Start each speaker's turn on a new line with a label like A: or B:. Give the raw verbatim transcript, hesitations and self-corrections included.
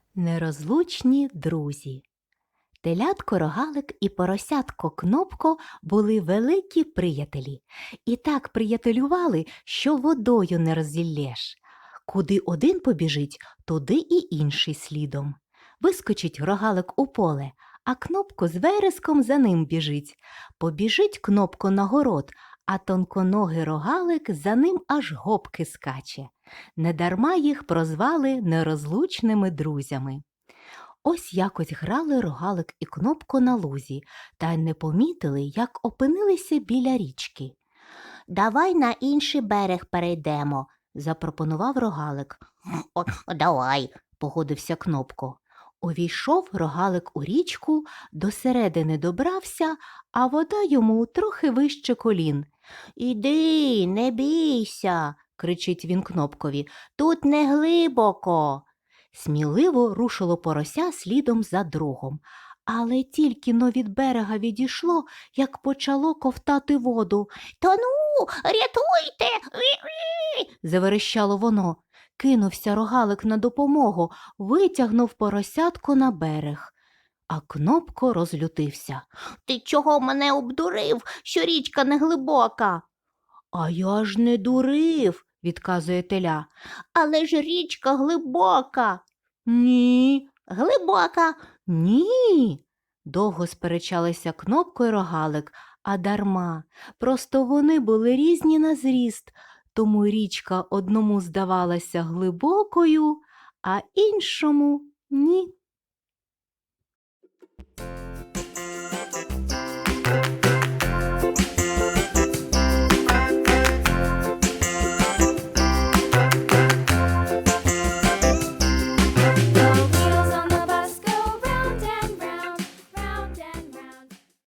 A: Нерозлучні друзі. Телятко Рогалик і поросятко Кнопко були великі приятелі. І так приятелювали, що водою не роззіллєш. Куди один побіжить, туди і інший слідом. Вискочить Рогалик у поле, а Кнопко з вереском за ним біжить. Побіжить Кнопко на город, а тонконогий Рогалик за ним аж гопки скаче. Недарма їх прозвали нерозлучними друзями. Ось якось грали Рогалик і Кнопко на лузі, та й не помітили, як опинилися біля річки.
B: «Давай на інший берег перейдемо», –
A: запропонував Рогалик.
B: «О, давай»,
A: – погодився Кнопко. Увійшов Рогалик у річку, до середини добрався, а вода йому трохи вище колін.
B: «Іди, не бійся»,
A: – кричить він Кнопкові,
B: – «тут не глибоко».
A: Сміливо рушило порося слідом за другом. Але тільки но від берега відійшло, як почало ковтати воду.
B: «Тону, рятуйте!»
A: – заверещало воно. Кинувся Рогалик на допомогу, витягнув поросятко на берег. А Кнопко розлютився.
B: «Ти чого мене обдурив, що річка не глибока?»
A: «А я ж не дурив», – відказує теля.
B: «Але ж річка глибока».
A: «Ні».
B: «Глибока».
A: «Ні». Довго сперечалися Кнопко й Рогалик, а дарма. Просто вони були різні на зріст, тому річка одному здавалася глибокою, а іншому – ні.